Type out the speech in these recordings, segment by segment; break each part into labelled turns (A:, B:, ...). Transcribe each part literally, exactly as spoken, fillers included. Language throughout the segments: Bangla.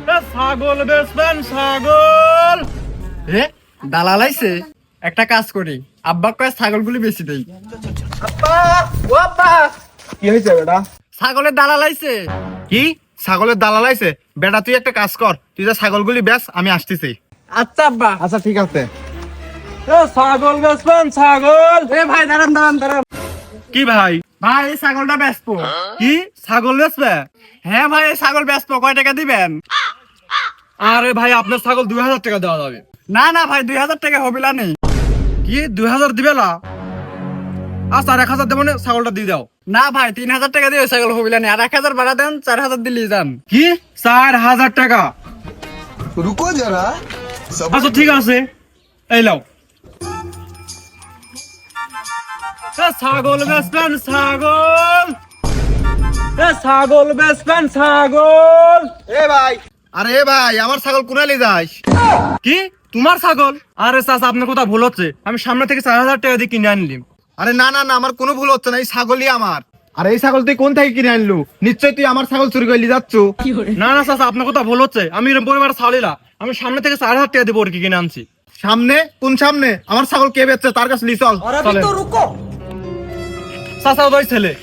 A: ছাগল বেচবেন ছাগল? রে দালাল আইছে, একটা কাজ করি, আব্বা কয় ছাগলগুলি বেশি দেই।
B: আব্বা ও আব্বা কি হয়েছে বেটা?
A: ছাগলের দালাল আইছে।
B: কি ছাগলের দালাল আইছে? বেটা তুই একটা কাজ কর, তুই যে ছাগলগুলি বেচ, আমি আসতেছি।
A: আচ্ছা আব্বা।
B: আচ্ছা ঠিক আছে।
A: ছাগল বেচবেন ছাগল? এ ভাই দাঁড়ান দাঁড়ান দাঁড়ান।
B: কি ভাই?
A: ভাই এই ছাগলটা বেচবো।
B: কি ছাগল বেচবে?
A: হ্যাঁ ভাই এই ছাগল বেচবো, কয় টাকা দিবেন?
B: আরে ভাই আপনার ছাগল দুই হাজার টাকা দেওয়া যাবে।
A: না না ভাই দুই হাজার টাকা হবিলা নেই।
B: কি দুই হাজার দিবে না? আচ্ছা আর এক হাজার দেবো না, ছাগলটা দিয়ে দাও।
A: না ভাই তিন হাজার টাকা দিয়ে ওই ছাগল হবিলা নেই, আর এক হাজার বাড়া দেন, চার হাজার দিলেই যান।
B: কি চার হাজার টাকা?
C: रुको जरा सब
B: আচ্ছা ঠিক আছে, এই লাও।
A: এ ছাগল বেচবেন ছাগল? এ ছাগল বেচবেন ছাগল?
B: এ ভাই, আরে এ ভাই আমার ছাগল কোনালি যাস?
A: কি তোমার ছাগল?
B: আরে চাচা আপনার কথা ভুল হচ্ছে, আমি সামনে থেকে চার হাজার টাকা দিয়ে কিনে আনলিম। আরে না না না, আমার কোনো ভুল হচ্ছে না, এই ছাগলই আমার। আর এই ছাগল তুই কোন থেকে কিনে আনলু? নিশ্চয়ই তুই আমার ছাগল চুরি করে যাচ্ছ।
A: না না চাচা আপনার কথা ভুল হচ্ছে, আমি এরকম পরিবার ছাড়িলা, আমি সামনে থেকে চার হাজার টাকা দেবো ওর কি কিনে আনছি।
B: সামনে? কোন সামনে? আমার ছাগল কে বেচছে তার কাছে লি, চল চলেন।
A: চাচা ওই ছেলে।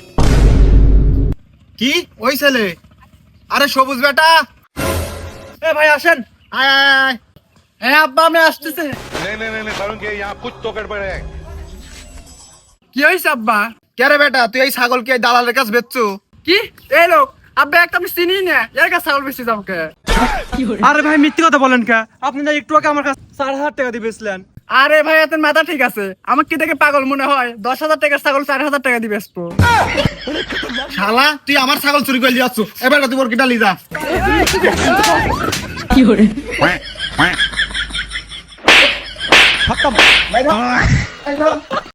B: কি ওই ছেলে? আরে সবুজ বেটা,
A: এ ভাই আসেন।
B: আয় আয় আয়।
A: হ্যাঁ আব্বা আমি আসতেছে।
D: नहीं नहीं नहीं नहीं वरुण के यहाँ कुछ तो गड़बड़ है।
A: কি হয়েছে আব্বা?
B: কে রে বেটা, তুই এই ছাগল কি এই দালালের কাছে বেচছো?
A: কি এই লোক আব্বা একটা আমি চিনি না, এর কাছে ছাগল বেশি যাও কে?
B: আরে ভাই মিথ্যে কথা বলেন কে? আপনি না একটু আগে আমার কাছে চার হাজার টাকা দিয়ে বেচলেন।
A: আরে ভাই এত মাথা ঠিক আছে, আমাকে কি দেখে পাগল মনে হয়? দশ হাজার টাকার ছাগল চার হাজার টাকা দিয়ে বেচবো?
B: শালা তুই আমার ছাগল চুরি করে যাচ্ছ, এবার তুই ওর কিটা লি যা।
D: quack quack